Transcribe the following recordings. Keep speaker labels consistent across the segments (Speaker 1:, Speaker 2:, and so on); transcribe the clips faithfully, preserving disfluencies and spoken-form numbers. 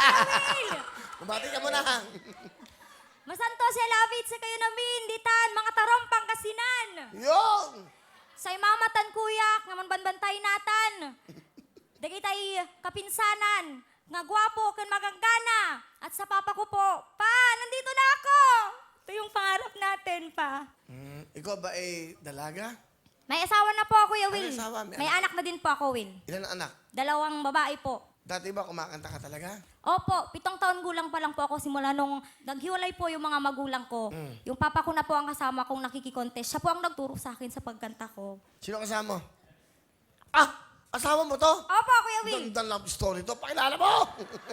Speaker 1: Will!
Speaker 2: Bumati ka muna.
Speaker 1: Masanto si Lavit sa kayo namin, ditan, mga tarompang kasinan.
Speaker 2: Yung!
Speaker 1: Say mamatan kuyak, naman banbantay natan. Dagitay kapinsanan, nga gwapo kan maganggana. At sa papa ko po, pa, nandito na ako. Ito yung pangarap natin, pa.
Speaker 2: Hmm, ikaw ba ay dalaga?
Speaker 1: May asawa na po, Kuya
Speaker 2: May
Speaker 1: Will.
Speaker 2: asawa, may
Speaker 1: May
Speaker 2: anak.
Speaker 1: anak na din po ako, Will.
Speaker 2: Ilan ang anak?
Speaker 1: Dalawang babae po.
Speaker 2: Dati ba kumakanta ka talaga?
Speaker 1: Opo, pitong taon gulang pa lang po ako simula nung naghiwalay po yung mga magulang ko.
Speaker 2: Mm.
Speaker 1: Yung papa ko na po ang kasama kong nakikikontest. Siya po ang nagturo sa akin sa pagkanta ko.
Speaker 2: Sino kasama mo? Ah! Asawa mo to?
Speaker 1: Opo, Kuya Will.
Speaker 2: Ganda love story to. Pakilala mo!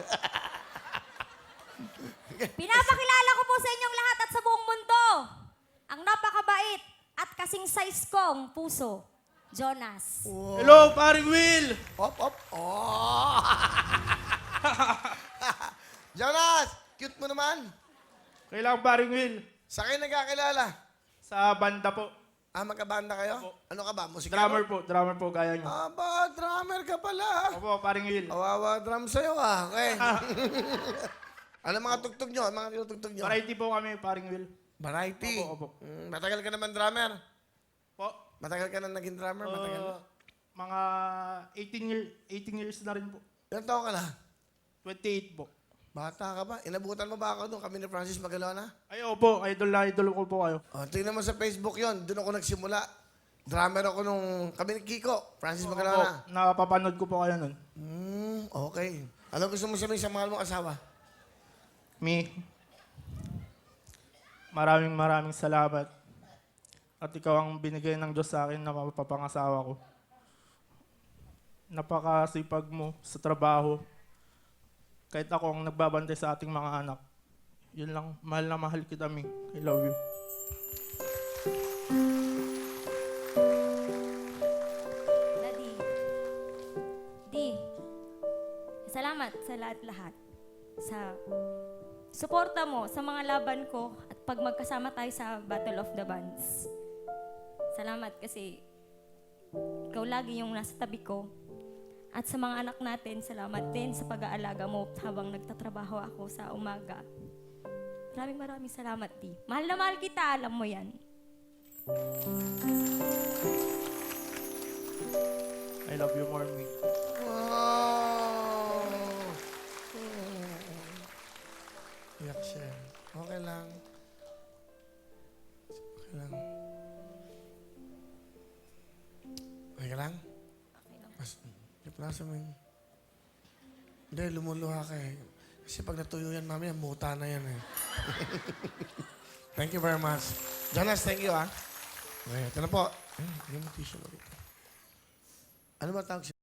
Speaker 1: Pinapakilala ko po sa inyong lahat at sa buong mundo. Ang napakabait at kasing size kong puso, Jonas.
Speaker 3: Hello, paring Will!
Speaker 2: Hop, hop. Oh! Jonas! Cute mo naman.
Speaker 3: Kailangan paring Will.
Speaker 2: Sa kayo nagkakilala?
Speaker 3: Sa banda po.
Speaker 2: Ah, magkabanda kayo?
Speaker 3: Opo.
Speaker 2: Ano ka ba? Musika?
Speaker 3: Drummer po, drummer po, kaya nyo.
Speaker 2: Aba, drummer ka pala.
Speaker 3: Opo, paring Will.
Speaker 2: Awawa drum sa'yo ah. Okay. Ano mga tugtog nyo? Ano mga tinutugtog nyo?
Speaker 3: Variety po kami, paring Will.
Speaker 2: Variety.
Speaker 3: Opo, opo.
Speaker 2: Mm, matagal ka naman drummer.
Speaker 3: Po.
Speaker 2: Matagal ka na naging drummer? Matagal na.
Speaker 3: Uh, mga eighteen, year, eighteen years na rin po.
Speaker 2: Ilan taon ka na?
Speaker 3: twenty-eight po.
Speaker 2: Bata ka ba? Inabutan mo ba ako doon? Kami ni Francis Magalona?
Speaker 3: Ay, opo, idol na idol ko po kayo.
Speaker 2: Oh, tingnan mo sa Facebook yon. Doon ako nagsimula. Drummer ako nung kami ni Kiko, Francis
Speaker 3: Opo,
Speaker 2: Magalona.
Speaker 3: napapanood ko po kayo nun.
Speaker 2: Hmm, okay. Ano gusto mo sabihin sa mahal mong asawa?
Speaker 3: Me, maraming maraming salamat. At ikaw ang binigay ng Diyos sa akin na mapapangasawa ko. Napakasipag mo sa trabaho. Kahit ako ang nagbabantay sa ating mga anak. Yun lang, mahal na mahal kita, Mi. I love you.
Speaker 1: Daddy. Di. Salamat sa lahat-lahat. Sa suporta mo sa mga laban ko at pag magkasama tayo sa Battle of the Bands. Salamat kasi ikaw lagi yung nasa tabi ko. At sa mga anak natin, salamat din sa pag-aalaga mo habang nagtatrabaho ako sa umaga. Maraming maraming salamat, Di. Mahal na mahal kita, alam mo yan.
Speaker 3: I love you more, Mi.
Speaker 2: Wow! Iyak siya. Okay lang. Okay lang. Okay lang?
Speaker 1: Okay lang.
Speaker 2: Mas, iplasa mo yun. Hindi, lumuluha ka eh. Kasi pag natuyo yan, mamaya, muta na yan eh. Thank you very much. Jonas, thank you ah. Okay, ito na po. Ayun, yung tissue mo dito. Ano ba tawag siya?